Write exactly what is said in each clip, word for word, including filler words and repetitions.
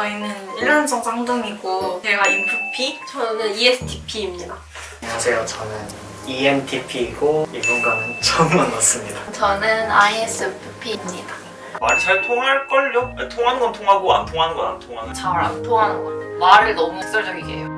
저희는 일 년생 쌍둥이고 제가 인프피, 저는 이에스티피입니다. 안녕하세요. 저는 이엔티피이고 이분과는 처음 만났습니다. 저는 아이에스에프피입니다. 말이 잘 통할걸요? 아니, 통하는 건 통하고 안 통하는 건 안 통하는. 잘 안 통하는 거. 말을 너무 직설적이게 해요.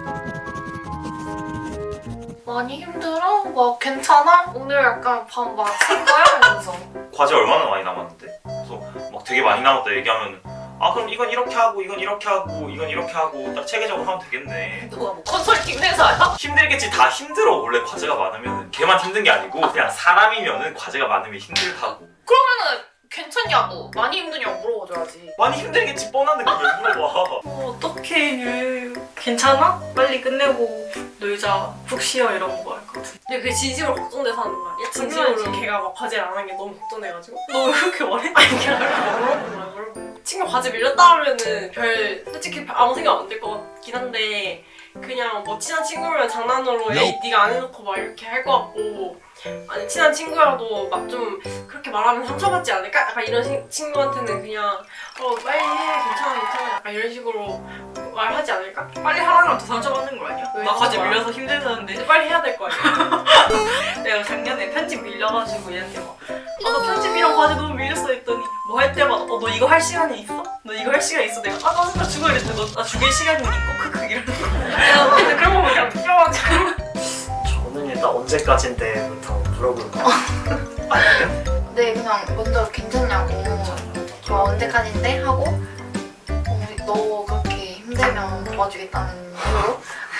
많이 힘들어? 막 괜찮아? 오늘 약간 밥 맛인 거야? 이러면서. 과제 얼마나 많이 남았는데? 그래서 막 되게 많이 남았다 얘기하면 아 그럼 이건 이렇게 하고 이건 이렇게 하고 이건 이렇게 하고 딱 체계적으로 하면 되겠네. 누가 뭐 컨설팅 회사야? 힘들겠지. 다 힘들어. 원래 과제가 많으면 걔만 힘든 게 아니고 그냥 사람이면은 과제가 많으면 힘들다고. 그러면은 괜찮냐고 많이 힘드냐고 물어봐줘야지. 많이 힘들겠지 뻔한데 그걸 왜 물어봐. 어, 어떡해 유 괜찮아? 빨리 끝내고 놀자, 푹 쉬어 이런 거 할 것 같은데. 근데 그게 진심으로 걱정돼서 하는 거야. 당연하지. 진심으로 걔가 막 과제를 안 한 게 너무 걱정돼가지고 너 왜 그렇게 말해? 아니 걔가 물어보는 거야 물어보고. 친구 과제 밀렸다 하면은 별 솔직히 아무 생각 안 들 것 같긴 한데 그냥 뭐 친한 친구면 장난으로 에이 네가 안 해놓고 막 이렇게 할 것 같고 아니 친한 친구라도 막 좀 그렇게 말하면 상처받지 않을까? 약간 이런 시, 친구한테는 그냥 어 빨리 해 괜찮아 괜찮아 약간 이런 식으로 말하지 않을까? 빨리 하라면 더 상처받는 거 아니야? 왜 나 과제 그런 거야? 밀려서 힘들다는데 이제 빨리 해야 될 거 아니야? 내가 작년에 편집 밀려가지고 얘한테 막 아, 너 편집이랑 과제 너무 밀렸어 했더니 뭐 할 때마다 어, 너 이거 할 시간이 있어? 너 이거 할 시간 있어? 내가 아, 나 진짜 죽어 이랬는데 너 나 죽일 시간이 있고 크크 이러는 거야. 근데 그런 거 그냥 웃겨가지고 저는 일단 언제까지인데부터 물어볼 거예요. 아니면 네 그냥 먼저 괜찮냐고. 저 언제까지인데? 하고 어, 너 그렇게 힘들면 도와주겠다는 이유로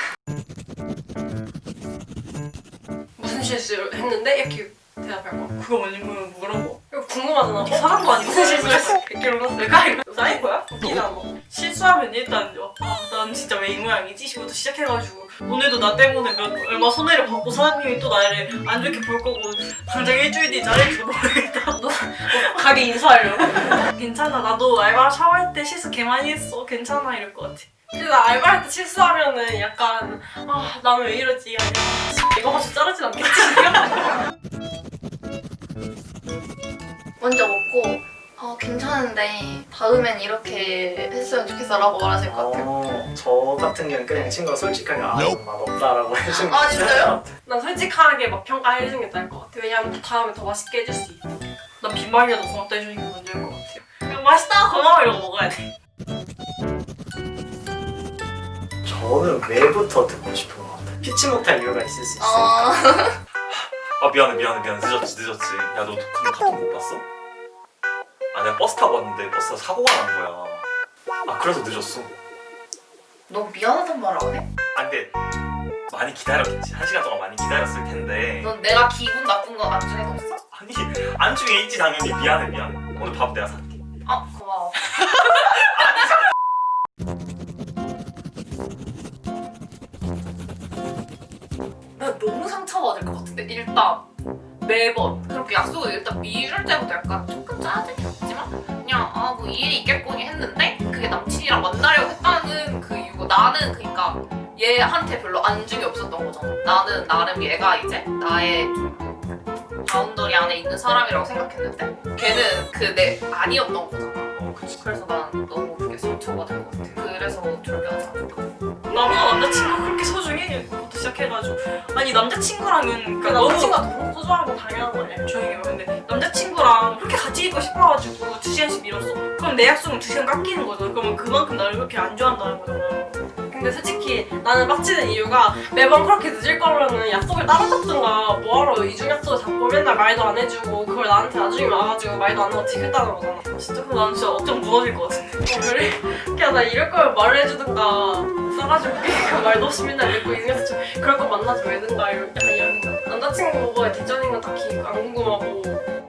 무슨 실수를 했는데 이렇게 대답할 거. 그거 뭔지 모르면 물어보. 이거 궁금하잖아. 어, 사람도 아니고 무슨 실수했어? 이렇게 물어서 내가 이거 사인 거야? 웃기다 너. 실수하면 일단 아, 난 진짜 왜 이 모양이지? 시부터 시작해가지고 오늘도 나 때문에 몇, 얼마 손해를 받고 사장님이 또 나를 안 좋게 볼 거고 당장 일주일 뒤에 잘릴지도 모르겠다. 너 가게 인수하려고? 괜찮아. 나도 알바 샤워할 때 실수 개 많이 했어. 괜찮아 이럴 것 같아. 근데 나 알바할 때 실수하면은 약간 아 나는 왜 이러지? 아니야 이거 봐서 자르진 않겠지? 먼저 먹고 어, 괜찮은데 다음엔 이렇게 했으면 좋겠어 라고 말하실 것 같아요. 어, 저 같은 경우는 그냥 친구가 솔직하게 아 이건 맛없다라고 해주는 아, 진짜요? 난 솔직하게 막 평가해주는 게 나을 것 같아. 왜냐면 다음에 더 맛있게 해줄 수 있어. 난 빈말이라도 고맙다 해주는 게 먼저일 것 같아요. 그냥 맛있다 고마워 이러고 먹어야 돼. 저는 왜부터 듣고 싶은 것 같아요. 피치 못할 이유가 있을 수 있으니까. 어... 아 미안해 미안해 미안해 늦었지 늦었지. 야 너 근데 카톡 못 봤어? 아 내가 버스 타고 왔는데 버스가 사고가 난 거야. 아 그래서 늦었어. 너무 미안하단 말 안 해? 아 근데 많이 기다렸겠지. 한 시간 동안 많이 기다렸을 텐데. 넌 내가 기분 나쁜 거 안중에 없어? 아니 안중에 있지 당연히. 미안해 미안해. 오늘 밥 내가 살게. 아 고마워. 나 너무 상처받을 것 같은데 일단 매번 그렇게 약속을 일단 미룰 때부터 약간 조금 짜증이 났지만 그냥 아 뭐 일이 있겠거니 했는데 그게 남친이랑 만나려고 했다는 그 이유고 나는 그러니까 얘한테 별로 안중이 없었던 거잖아. 나는 나름 얘가 이제 나의 좀 바운더리 안에 있는 사람이라고 생각했는데 걔는 그 내 아니었던 거잖아. 어 그치. 그래서 난 너무 그게 상처받을 것 같아. 그래서 절교하지 않을까. 나보다 남자친구 그렇게 소중해? 부터 시작해가지고 아니 남자친구랑은 그 그러니까 너무 남친과 너무 소중한 건 당연한 거 아니야? 조용히 해. 근데 남자친구랑 그렇게 같이 있고 싶어가지고 두 시간씩 미뤘어. 그럼 내 약속은 두 시간 깎이는 거잖아. 그러면 그만큼 나를 그렇게 안 좋아한다는 거잖아. 근데 솔직히 나는 빡치는 이유가 매번 그렇게 늦을 거면은 약속을 따로 잡든가 뭐하러 이중 약속을 잡고 맨날 말도 안 해주고 그걸 나한테 나중에 와가지고 말도 안 하고 지겠다는 거잖아. 진짜 그럼 나는 진짜 억장 무너질 것 같은데. 어, 그래? 그냥 나 이럴 거면 말을 해주든가 싸가지 없게 그 말도 없이 맨날 믿고 이중 약속 좀 그럴 거 만나지 말든가 이런 약간 이런 생각. 남자친구가 뒷전인 건 딱히 안 궁금하고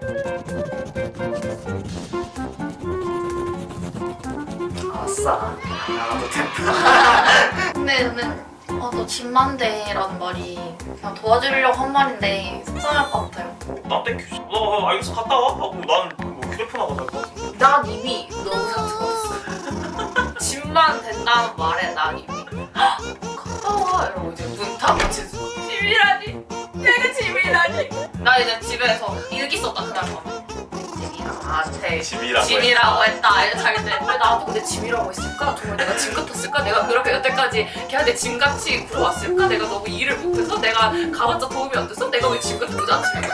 아싸 나가도 된다. 근데 저는 어, 너 집만대라는 말이 그냥 도와주려고 한 말인데 속상할 것 같아요. 나 땡큐지. 어, 어 알겠어 갔다 와 하고 나는 뭐 휴대폰 하고 갈 거 같은데. 난 이미 너무 상처받았어. 집만 된다는 말에 난 이미 갔다 와 이러고 이제 문 닫아치고 집이라니? 내가 집이라니? 나 이제 집에서 일기 썼다 그날 밤에. 집이랑 나한테 짐이라고 짐이라고 했다 잘때 왜 나도 근데 짐이라고 했을까? 정말 내가 짐 같았을까? 내가 그렇게 여태까지 걔한테 짐같이 굴어왔을까? 내가 너무 일을 못해서? 내가 가봤자 도움이 안 돼서? 내가 왜 짐 같은 거지 아침에?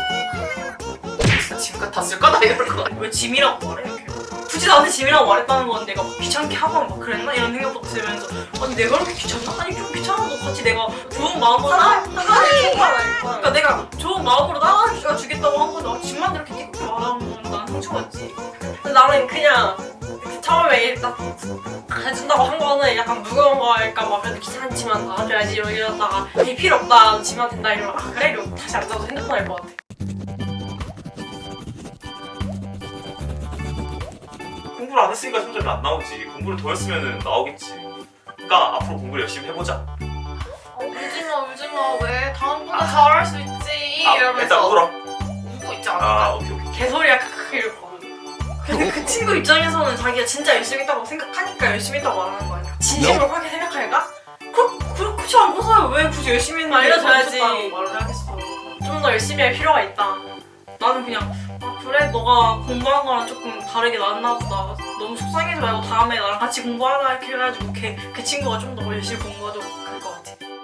진짜 짐 같았을까? 나 이럴 거 왜 짐이라고 말해? 이렇게. 굳이 나한테 짐이라고 말했다는 건 내가 막 귀찮게 하거나 막 그랬나? 이런 생각부터 들면서 아니 내가 그렇게 귀찮나? 아니 좀 귀찮아도 같이 내가 좋은 마음으로 나 그러니까 내가 좋은 마음으로 나가 주겠다고 한 건데 아, 짐만 이렇게 띠껍게 말하면 난 상처받지. 근데 나는 그냥 처음에 일단 해준다고 한 거는 약간 무거운 거니까 막 그래도 귀찮지만 나가줘야지 이러- 이러다가 에이 필요 없다 지면 된다 이러면 아 그래? 이러고 다시 앉아서 핸드폰 할 것 같아. 공부를 안 했으니까 성적이 안 나오지. 공부를 더 했으면 나오겠지. 그러니까 앞으로 공부를 열심히 해보자. 어, 울지마 울지마 왜 다음번에 잘할 수 있지 아, 이러면서 일단 울어. 울고 있지 않을까? 아 오케이 오케이. 개소리야 크크 이러고. 근데 그 친구 입장에서는 자기가 진짜 열심히 했다고 생각하니까 열심히 했다고 말하는 거 아니야? 진심으로 그렇게 생각할까? 그, 그, 그치 않고서야 왜 굳이 열심히 했는데 알려줘야지. 잘했다고 말을 하겠어. 좀 더 열심히 할 필요가 있다. 나는 그냥 아 그래 너가 공부한 거랑 조금 다르게 나왔나 보다 너무 속상해지 말고 다음에 나랑 같이 공부하자 이렇게 해가지고 걔, 그 친구가 좀 더 열심히 공부하도록 할 것 같아.